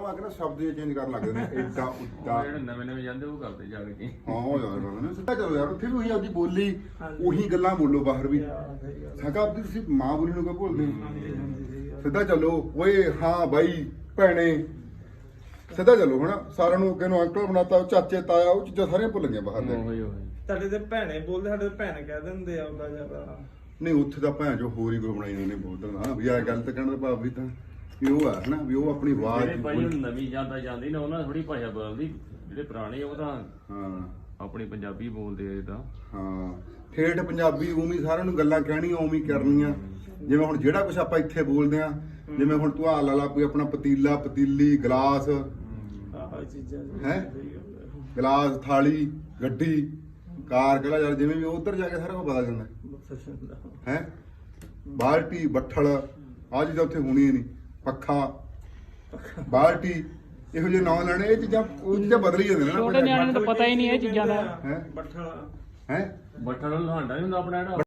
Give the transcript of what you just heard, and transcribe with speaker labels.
Speaker 1: ਬਾਹਰੋਂ ਆ ਕੇ ਨਾ ਸ਼ਬਦ ਚੇਂਜ ਕਰਨ ਲੱਗਦੇ ਨੇ ਏਡਾ ਉੱਡਾ
Speaker 2: ਜਿਹੜੇ ਨਵੇਂ ਜਾਂਦੇ ਉਹ ਕਰਦੇ ਜਾ ਕੇ
Speaker 1: ਹਾਂ ਹੋ ਜਾਂਦਾ ਨਾ ਸਿੱਧਾ ਚਲੋ ਯਾਰ ਉੱਥੇ ਵੀ ਉਹੀ ਆਪਦੀ ਬੋਲੀ ਉਹੀ ਗੱਲਾਂ ਬੋਲੋ ਬਾਹਰ ਵੀ ਸਾਕਾ ਆਪਦੀ ਤੁਸੀਂ ਮਾਂ ਬੋਲੀ ਨੂੰ ਕਿਉਂ ਭੁੱਲਦੇ ਸਿੱਧਾ ਚੱਲੋ ਓਏ ਹਾਂ ਬਾਈ ਭੈਣੇ ਸਿੱਧਾ ਚੱਲੋ ਹਨਾ ਸਾਰਿਆਂ ਨੂੰ ਅੱਗੇ ਨੂੰ ਅੰਕਲ ਬਣਾਤਾ ਚਾਚੇ ਤਾਇਆ ਉਹ ਚੀਜ਼ਾਂ ਸਾਰੀਆਂ ਭੁੱਲ ਗਈਆਂ ਬਾਹਰ ਦੇ
Speaker 3: ਤੁਹਾਡੇ ਤੇ ਭੈਣੇ ਬੋਲਦੇ ਸਾਡੇ ਭੈਣ ਕਹਿ ਦਿੰਦੇ ਆ ਉਹਦਾ ਜਿਆਦਾ
Speaker 1: ਨਹੀਂ ਉੱਥੇ ਤਾਂ ਭੈਣ ਜੋ ਹੋਰ ਹੀ ਕੋਈ ਬਣਾਈ ਉਹਨੇ ਬਹੁਤ ਹਾਂ ਵੀ ਆ ਗੱਲ ਤਾਂ ਕਹਿਣ ਦਾ ਭਾਵ ਵੀ ਤਾਂ ਵੀ ਉਹ ਆ ਹਨਾ ਵੀ ਉਹ ਆਪਣੀ ਆਵਾਜ਼
Speaker 2: ਭਾਈ ਨਵੀਂ ਜਾਂਦਾ ਜਾਂਦੀ ਨਾ ਉਹਨਾਂ ਥੋੜੀ ਭਾਸ਼ਾ ਬਦਲਦੀ ਜਿਹੜੇ ਪੁਰਾਣੇ ਉਹ ਤਾਂ
Speaker 1: ਹਾਂ
Speaker 2: ਆਪਣੀ ਪੰਜਾਬੀ ਬੋਲਦੇ ਆ ਇਦਾਂ
Speaker 1: ਹਾਂ ਠੇਠ ਪੰਜਾਬੀ ਉਵੇਂ ਸਾਰਿਆਂ ਨੂੰ ਗੱਲਾਂ ਕਹਿਣੀਆਂ ਉਵੇਂ ਕਰਨੀਆਂ ਜਿਵੇਂ ਹੁਣ ਜਿਹੜਾ ਕੁਝ ਆਪਾਂ ਇੱਥੇ ਬੋਲਦੇ ਆ ਜਿਵੇਂ ਹੁਣ ਤੂੰ ਆ ਲਾ ਲਾ ਕੋਈ ਆਪਣਾ ਪਤੀਲਾ ਪਤੀਲੀ ਗਲਾਸ
Speaker 3: ਆਹ ਚੀਜ਼ਾਂ
Speaker 1: ਹੈ ਗਲਾਸ ਥਾਲੀ ਗੱਡੀ ਕਾਰ ਕਹਿੰਦਾ ਯਾਰ ਜਿਵੇਂ ਵੀ ਉਧਰ ਜਾ ਕੇ ਸਾਰਾ ਕੁਝ ਬਦਲ ਜਾਂਦਾ ਹੈ ਬਾਲਟੀ ਬੱਠਲ ਆਹ ਚੀਜ਼ਾਂ ਉੱਥੇ ਹੋਣੀਆਂ ਨਹੀਂ ਪੱਖਾ ਬਾਲਟੀ ਇਹੋ ਜਿਹੇ ਨਾਂ ਲੈਣੇ ਇਹ ਚੀਜ਼ਾਂ ਉਹ ਚੀਜ਼ਾਂ ਬਦਲ ਹੀ ਜਾਂਦੀਆਂ ਨੇ
Speaker 4: ਛੋਟੇ ਨਿਆਣੇ ਨੂੰ ਤਾਂ ਪਤਾ ਹੀ ਨਹੀਂ ਇਹ ਚੀਜ਼ਾਂ ਦਾ
Speaker 3: ਬੱਠਲ
Speaker 1: ਹੈ
Speaker 2: ਬੱਠਲ ਨੂੰ ਲਹਾਂਡਾ ਨਹੀਂ ਹੁੰਦਾ ਆਪਣਾ ਜਿਹੜਾ